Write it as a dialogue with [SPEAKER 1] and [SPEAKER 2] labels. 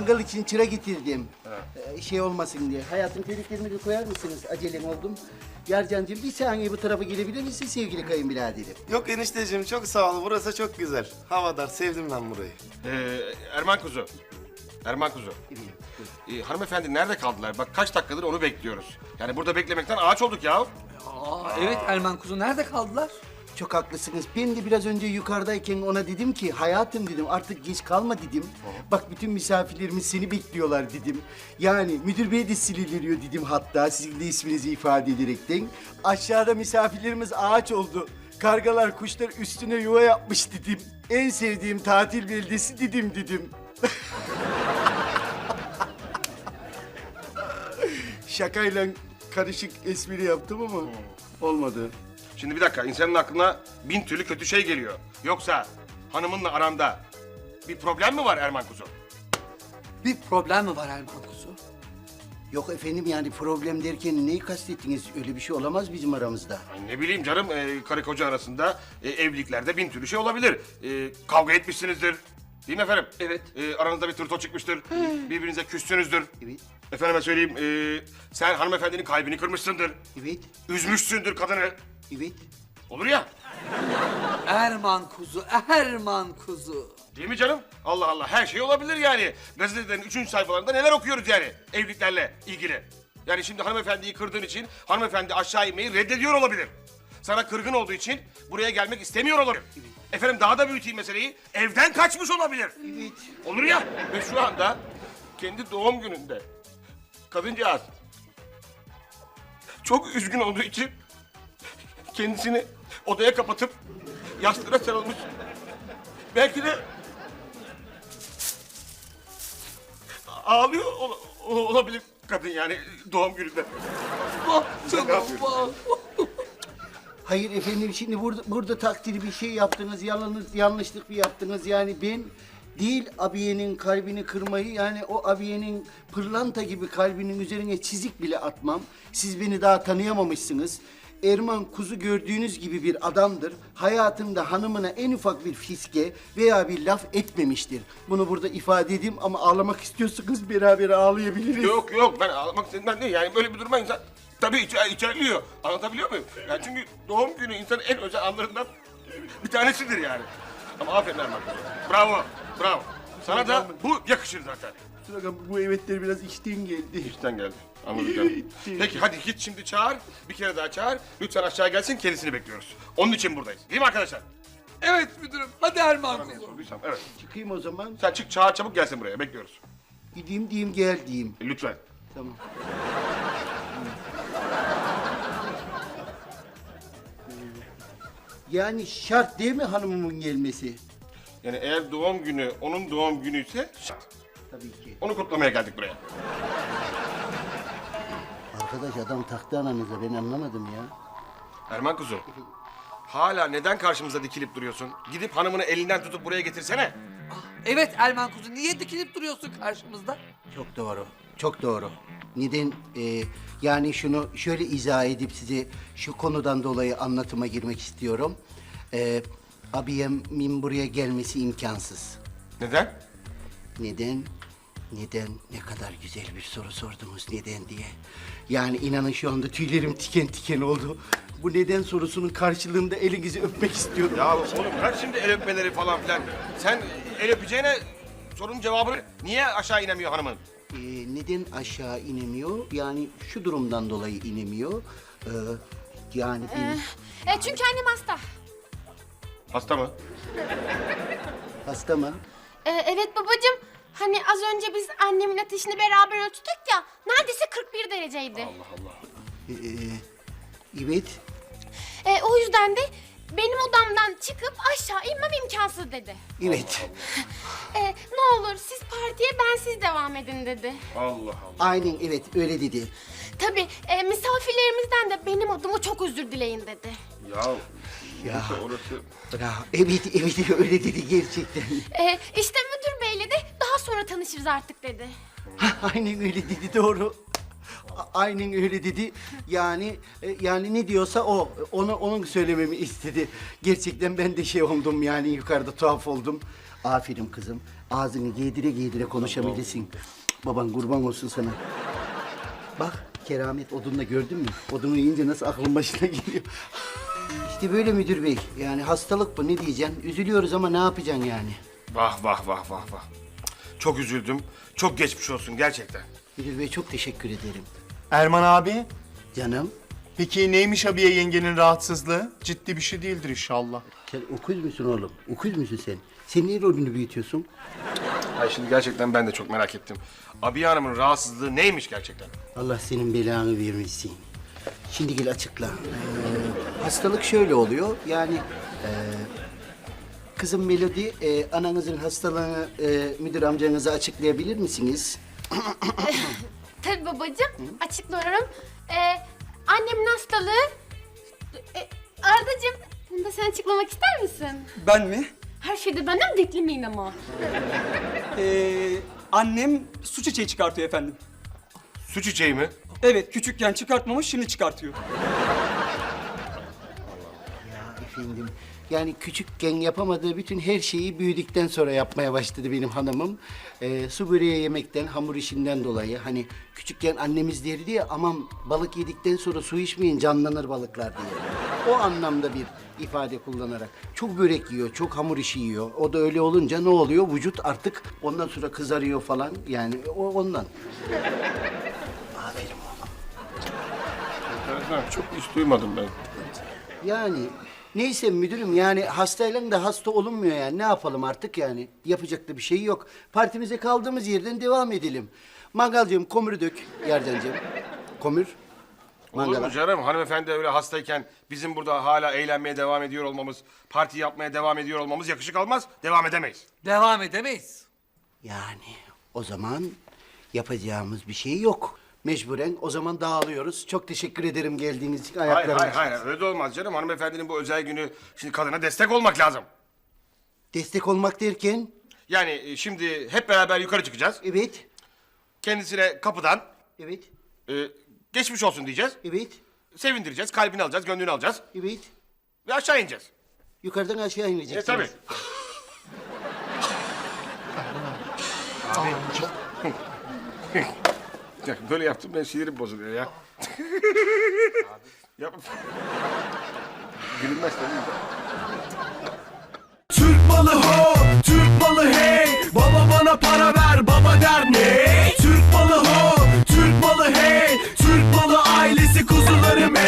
[SPEAKER 1] mangal için çıra getirdim. Şey olmasın diye. Hayatım terliklerimi de koyar mısınız? Acelem oldum. Yarcancığım bir saniye bu tarafa gelebilir misin sevgili kayınbiraderim?
[SPEAKER 2] Yok enişteciğim çok sağ ol. Burası çok güzel. Havadar. Sevdim ben burayı.
[SPEAKER 3] Erman kuzu. Erman kuzu. Hanımefendi nerede kaldılar? Bak kaç dakikadır onu bekliyoruz. Yani burada beklemekten ağaç olduk ya.
[SPEAKER 4] Evet Erman kuzu nerede kaldılar?
[SPEAKER 1] Çok haklısınız. Ben de biraz önce yukarıdayken ona dedim ki hayatım dedim artık geç kalma dedim. Bak bütün misafirlerimiz seni bekliyorlar dedim. Yani müdür bey de sinirleniyor dedim hatta sizin de isminizi ifade ederekten. Aşağıda misafirlerimiz ağaç oldu. Kargalar, kuşlar üstüne yuva yapmış dedim. En sevdiğim tatil beldesi dedim. Şakayla karışık espri yaptım ama olmadı.
[SPEAKER 3] Şimdi bir dakika, insanın aklına bin türlü kötü şey geliyor. Yoksa hanımınla aranda bir problem mi var Erman kuzu?
[SPEAKER 4] Bir problem mi var Erman kuzu?
[SPEAKER 1] Yok efendim yani problem derken neyi kastettiniz? Öyle bir şey olamaz bizim aramızda.
[SPEAKER 3] Ay ne bileyim canım, karı koca arasında evliliklerde bin türlü şey olabilir. Kavga etmişsinizdir. Değil mi efendim?
[SPEAKER 4] Evet.
[SPEAKER 3] Aranızda bir tırto çıkmıştır. Birbirinize küstünüzdür.
[SPEAKER 1] Evet.
[SPEAKER 3] Efendime söyleyeyim, sen hanımefendinin kalbini kırmışsındır.
[SPEAKER 1] Evet,
[SPEAKER 3] Üzmüşsündür kadını.
[SPEAKER 1] evet.
[SPEAKER 3] Olur ya.
[SPEAKER 4] Erman kuzu, Erman kuzu.
[SPEAKER 3] Değil mi canım? Allah Allah, her şey olabilir yani. Gazetelerin 3. sayfalarında neler okuyoruz yani evliliklerle ilgili. Yani şimdi hanımefendiyi kırdığın için hanımefendi aşağı inmeyi reddediyor olabilir. Sana kırgın olduğu için buraya gelmek istemiyor olabilir. Efendim daha da büyüteyim meseleyi, evden kaçmış olabilir.
[SPEAKER 1] Evet.
[SPEAKER 3] Olur ya. Ve şu anda kendi doğum gününde kadıncağız çok üzgün olduğu için kendisini odaya kapatıp yastığına sarılmış. Belki de ağlıyor olabilir kadın yani doğum gününde.
[SPEAKER 4] Vah
[SPEAKER 3] Sen ne
[SPEAKER 4] canım
[SPEAKER 3] yapıyorsun?
[SPEAKER 4] vah.
[SPEAKER 1] Hayır efendim şimdi burada takdiri bir şey yaptınız, yanlışlık bir yaptınız. Yani ben değil abiyenin kalbini kırmayı yani o abiyenin pırlanta gibi kalbinin üzerine çizik bile atmam. Siz beni daha tanıyamamışsınız. Erman kuzu gördüğünüz gibi bir adamdır. Hayatında hanımına en ufak bir fiske veya bir laf etmemiştir. Bunu burada ifade edeyim ama ağlamak istiyorsanız beraber ağlayabiliriz.
[SPEAKER 3] Yok ben ağlamak istediğimden değil yani böyle bir duruma insan tabii içerliyor. Anlatabiliyor muyum? Yani çünkü doğum günü insanın en özel anlarından bir tanesidir yani. Ama aferin Erman. Bravo. Sana da bu yakışır zaten.
[SPEAKER 1] Kusura bakma, bu evetler biraz içten geldi.
[SPEAKER 3] İşten geldi. Anladık canım. Peki hadi git şimdi çağır. Bir kere daha çağır. Lütfen aşağı gelsin, kendisini bekliyoruz. Onun için buradayız. Değil mi arkadaşlar?
[SPEAKER 4] Evet müdürüm, hadi Erman kuzu.
[SPEAKER 3] Sorduysam, evet.
[SPEAKER 1] Çıkayım o zaman.
[SPEAKER 3] Sen çık, çağır çabuk gelsin buraya. Bekliyoruz.
[SPEAKER 1] Gideyim diyeyim gel diyeyim.
[SPEAKER 3] Lütfen.
[SPEAKER 1] Tamam. Yani şart değil mi hanımımın gelmesi?
[SPEAKER 3] Yani eğer doğum günü onun doğum günüyse şart.
[SPEAKER 1] Tabii ki.
[SPEAKER 3] Onu kutlamaya geldik buraya.
[SPEAKER 1] Arkadaş adam taktı ananıza ben anlamadım ya.
[SPEAKER 3] Erman kuzu. Hala neden karşımıza dikilip duruyorsun? Gidip hanımını elinden tutup buraya getirsene.
[SPEAKER 4] Evet Erman kuzu, niye dikilip duruyorsun karşımızda?
[SPEAKER 1] Çok doğru. Çok doğru. Neden? Yani şunu şöyle izah edip size şu konudan dolayı anlatıma girmek istiyorum. Abiyemin buraya gelmesi imkansız.
[SPEAKER 3] Neden?
[SPEAKER 1] Neden? Neden? Ne kadar güzel bir soru sordunuz neden diye. Yani inanın şu anda tüylerim tiken tiken oldu. Bu neden sorusunun karşılığında elinizi öpmek istiyorum.
[SPEAKER 3] Ya oğlum bırak şimdi el öpmeleri falan filan. Sen el öpeceğine sorunun cevabını niye aşağı inemiyor hanımın?
[SPEAKER 1] Neden aşağı inemiyor? Yani şu durumdan dolayı inemiyor. Yani benim
[SPEAKER 5] Çünkü annem hasta.
[SPEAKER 3] Hasta mı?
[SPEAKER 1] hasta mı?
[SPEAKER 5] Evet babacığım. Hani az önce biz annemin ateşini beraber ölçtük ya. Neredeyse 41 dereceydi.
[SPEAKER 1] Evet.
[SPEAKER 5] O yüzden de benim odamdan çıkıp aşağı inmem imkansız dedi.
[SPEAKER 1] Evet.
[SPEAKER 5] Ne olur siz partiye bensiz devam edin dedi.
[SPEAKER 3] Allah Allah.
[SPEAKER 1] Aynen evet öyle dedi.
[SPEAKER 5] Tabii misafirlerimizden de benim adıma çok özür dileyin dedi.
[SPEAKER 1] Ya
[SPEAKER 3] Orası...
[SPEAKER 1] bravo. Evet öyle dedi gerçekten.
[SPEAKER 5] İşte müdür beyle de daha sonra tanışırız artık dedi.
[SPEAKER 1] Aynen öyle dedi doğru. Aynen öyle dedi. Yani ne diyorsa o. Onun söylememi istedi. Gerçekten ben de şey oldum yani yukarıda tuhaf oldum. Aferin kızım. ağzını giydire giydire konuşabilirsin. Baban kurban olsun sana. Bak keramet odunla gördün mü? Odunu yiyince nasıl aklın başına geliyor. İşte böyle müdür bey. Yani hastalık bu, ne diyeceksin? Üzülüyoruz ama ne yapacaksın yani?
[SPEAKER 3] Vah vah vah vah vah. Çok üzüldüm. Çok geçmiş olsun gerçekten.
[SPEAKER 1] Müdür bey çok teşekkür ederim.
[SPEAKER 6] Erman abi,
[SPEAKER 1] Canım,
[SPEAKER 6] peki neymiş abiye yengenin rahatsızlığı? Ciddi bir şey değildir inşallah.
[SPEAKER 1] sen okuz musun oğlum? Okuz musun sen? Sen niye rolünü büyütüyorsun?
[SPEAKER 3] Ay şimdi gerçekten ben de çok merak ettim. Abiye Hanım'ın rahatsızlığı neymiş gerçekten?
[SPEAKER 1] Allah senin belanı vermesin. Şimdi gel açıkla. Hastalık şöyle oluyor. Yani kızım Melodi, ananızın hastalığını müdür amcanıza açıklayabilir misiniz?
[SPEAKER 5] Tabii babacığım, açıklıyorum. Annemin hastalığı... Ardacığım, bunu da sen açıklamak ister misin?
[SPEAKER 7] Ben mi?
[SPEAKER 5] Her şeyde benden beklemeyin ama.
[SPEAKER 7] Annem su çiçeği çıkartıyor efendim.
[SPEAKER 3] Su çiçeği mi?
[SPEAKER 7] Evet, küçükken çıkartmamış, şimdi çıkartıyor.
[SPEAKER 1] Ya efendim, yani küçükken yapamadığı bütün her şeyi büyüdükten sonra yapmaya başladı benim hanımım. Su böreği yemekten, hamur işinden dolayı. Hani küçükken annemiz derdi ya, aman balık yedikten sonra su içmeyin canlanır balıklar diye. O anlamda bir ifade kullanarak. Çok börek yiyor, çok hamur işi yiyor. O da öyle olunca ne oluyor? Vücut artık ondan sonra kızarıyor falan. Yani o ondan. Aferin oğlum.
[SPEAKER 3] Enteresan, çok hiç duymadım ben.
[SPEAKER 1] Yani neyse müdürüm, yani hastayla da hasta olunmuyor yani. Ne yapalım artık yani? Yapacak da bir şey yok. Partimize kaldığımız yerden devam edelim. Mangalcığım komürü dök Yarcancığım. Komür.
[SPEAKER 3] Olur mu canım? Hanımefendi öyle hastayken bizim burada hala eğlenmeye devam ediyor olmamız, parti yapmaya devam ediyor olmamız yakışık almaz. Devam edemeyiz.
[SPEAKER 4] Devam edemeyiz.
[SPEAKER 1] Yani o zaman yapacağımız bir şey yok. Mecburen o zaman dağılıyoruz. Çok teşekkür ederim geldiğiniz için.
[SPEAKER 3] Hayır,
[SPEAKER 1] Ayaklarınız.
[SPEAKER 3] hayır, hayır. Öyle de olmaz canım. Hanımefendinin bu özel günü, şimdi kadına destek olmak lazım.
[SPEAKER 1] Destek olmak derken?
[SPEAKER 3] Yani şimdi hep beraber yukarı çıkacağız.
[SPEAKER 1] Evet,
[SPEAKER 3] Kendisine kapıdan
[SPEAKER 1] evet,
[SPEAKER 3] geçmiş olsun diyeceğiz.
[SPEAKER 1] evet,
[SPEAKER 3] Sevindireceğiz, kalbini alacağız, gönlünü alacağız
[SPEAKER 1] evet.
[SPEAKER 3] ve aşağı ineceğiz.
[SPEAKER 1] Yukarıdan aşağı ineceksiniz.
[SPEAKER 3] Tabii. Ya böyle yaptım ben sinirim bozuluyor ya. Yap. Gülünmez tabii.
[SPEAKER 8] Türk malı ho, Türk malı hey. Baba bana para ver, baba der ne?